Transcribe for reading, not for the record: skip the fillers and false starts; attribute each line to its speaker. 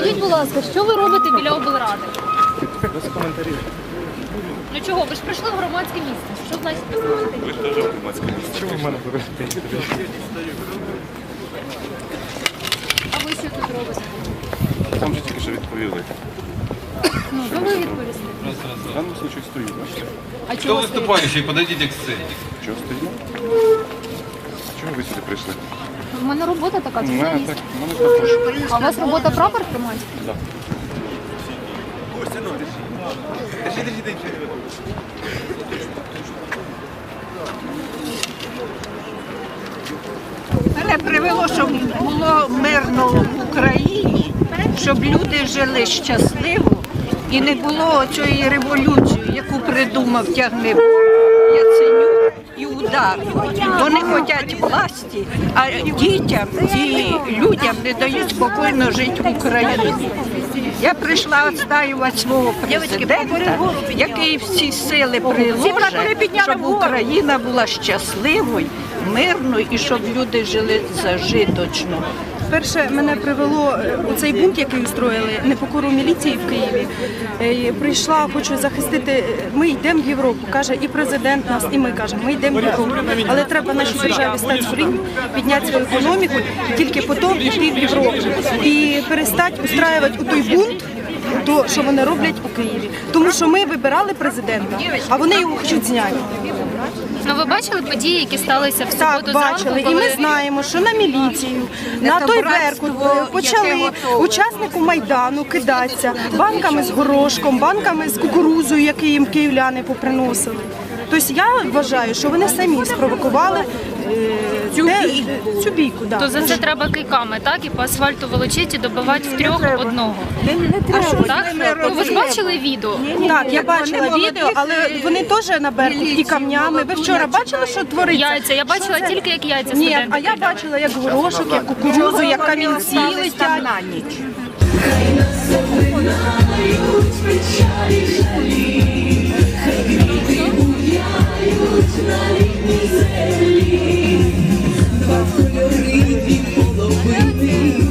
Speaker 1: Скажіть, будь ласка, що ви робите біля облради?
Speaker 2: Без коментарів.
Speaker 1: Ну чого? Ви ж прийшли в громадське місце. Що значить без коментарів?
Speaker 2: Ви ж теж в громадське місце. Чому в мене говорите?
Speaker 1: А ви що тут робите?
Speaker 2: Там же тільки що відповіли.
Speaker 1: Ну, то ви відповісти.
Speaker 2: В даному случаю стою, бачите?
Speaker 1: А
Speaker 3: Кто
Speaker 1: чого
Speaker 3: выступающий? Подойдите к сцене.
Speaker 2: Чого стою? Чому ви сюди прийшли?
Speaker 1: У мене робота така,
Speaker 2: У мене
Speaker 1: журналіст.
Speaker 2: так, у мене також.
Speaker 1: А у вас робота прапор тримати?
Speaker 2: Да.
Speaker 4: Мене привело, щоб було мирно в Україні, щоб люди жили щасливо і не було цієї революції, яку придумав Тягнебок, Яценюк і Удар. Вони хочуть власті, а дітям і людям не дають спокійно жити в Україні. Я прийшла відстоювати свого президента, який всі сили приложить, щоб Україна була щасливою, мирною і щоб люди жили зажиточно.
Speaker 5: Перше, мене привело у цей бунт, який устроїли, непокору міліції в Києві. Прийшла, хочу захистити, ми йдемо в Європу, каже і президент нас, і ми кажемо, ми йдемо в Європу. Але треба нашій державі стати в рівні, підняти свою економіку, і тільки потім йти в Європу. І перестати устраювати у той бунт, то, що вони роблять у Києві. Тому що ми вибирали президента, а вони його хочуть зняти.
Speaker 1: Ну ви бачили події, які сталися в суботу
Speaker 5: Так,
Speaker 1: зранку,
Speaker 5: бачили. І
Speaker 1: коли...
Speaker 5: ми знаємо, що на міліцію, на той Беркут почали учаснику Майдану кидатися банками з горошком, банками з кукурузою, які їм київляни поприносили. Тобто я вважаю, що вони самі спровокували цю бійку. Да.
Speaker 1: То за це треба кийками, так? І по асфальту волочити і добивати втрьох одного. Так? Ну, ви ж бачили відео?
Speaker 5: Так, я бачила відео, але вони теж на Беркут і камнями. Ви вчора бачили, що твориться?
Speaker 1: Яйця. Я бачила тільки, як яйця
Speaker 5: Ні,
Speaker 1: студенти
Speaker 5: а я
Speaker 1: кидали.
Speaker 5: бачила, як горошок, як кукурузу, як камінці летять.
Speaker 4: На ніч.
Speaker 6: Хай нас запинають печалі жалі.